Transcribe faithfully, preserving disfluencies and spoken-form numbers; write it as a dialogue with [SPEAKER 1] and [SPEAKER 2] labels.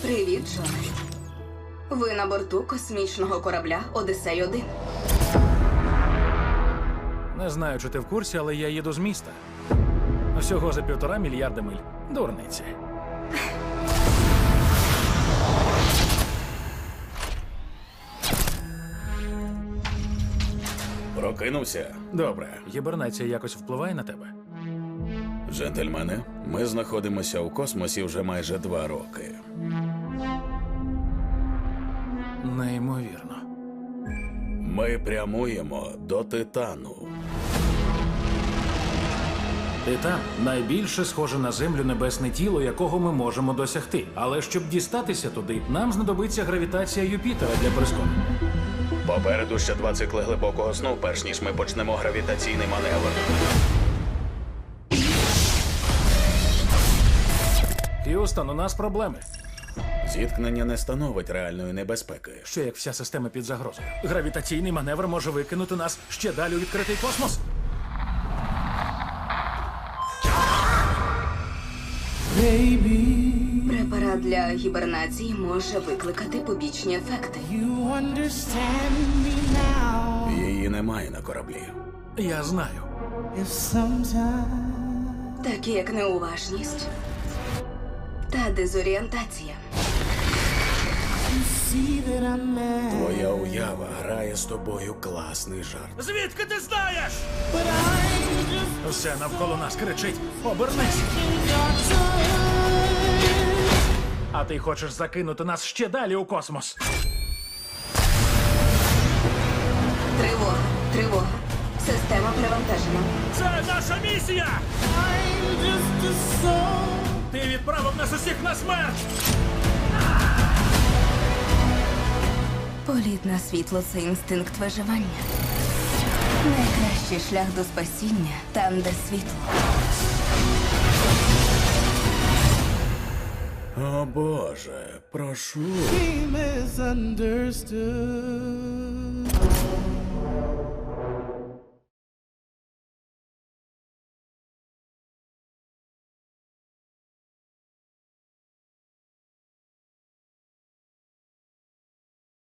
[SPEAKER 1] Привіт, Джоне. Ви на борту космічного корабля Одіссей один.
[SPEAKER 2] Не знаю, чи ти в курсі, але я їду з міста. Всього за півтора мільярда миль. Дурниці.
[SPEAKER 3] Прокинувся?
[SPEAKER 2] Добре. Гібернація якось впливає на тебе?
[SPEAKER 3] Джентльмени, ми знаходимося у космосі вже майже два роки.
[SPEAKER 2] Неймовірно.
[SPEAKER 3] Ми прямуємо до Титану.
[SPEAKER 2] Титан – найбільше схоже на Землю небесне тіло, якого ми можемо досягти. Але щоб дістатися туди, нам знадобиться гравітація Юпітера для прискорення.
[SPEAKER 3] Попереду ще два цикли глибокого сну, перш ніж ми почнемо гравітаційний маневр.
[SPEAKER 2] Х'юстон, у нас проблеми.
[SPEAKER 3] Зіткнення не становить реальної небезпеки.
[SPEAKER 2] Що як вся система під загрозою? Гравітаційний маневр може викинути нас ще далі у відкритий космос?
[SPEAKER 1] Препарат для гібернації може викликати побічні ефекти.
[SPEAKER 4] You understand me now.
[SPEAKER 3] Її немає на кораблі.
[SPEAKER 2] Я знаю.
[SPEAKER 4] If sometimes
[SPEAKER 1] Такі як неуважність та дезорієнтація.
[SPEAKER 4] you see that I'm mad,
[SPEAKER 3] Твоя уява грає з тобою класний жарт.
[SPEAKER 2] Звідки ти знаєш?
[SPEAKER 4] but I'm just
[SPEAKER 2] Все навколо нас кричить: обернись!
[SPEAKER 4] in your time.
[SPEAKER 2] А ти хочеш закинути нас ще далі у космос?
[SPEAKER 1] Тривога, тривога. Система перевантажена.
[SPEAKER 2] Це наша місія!
[SPEAKER 4] I'm just a soul.
[SPEAKER 2] Ти відправив нас усіх на смерть!
[SPEAKER 1] Політ на світло – це інстинкт виживання. Найкращий шлях до спасіння – там, де світло.
[SPEAKER 3] О Боже, прошу.
[SPEAKER 4] He misunderstood.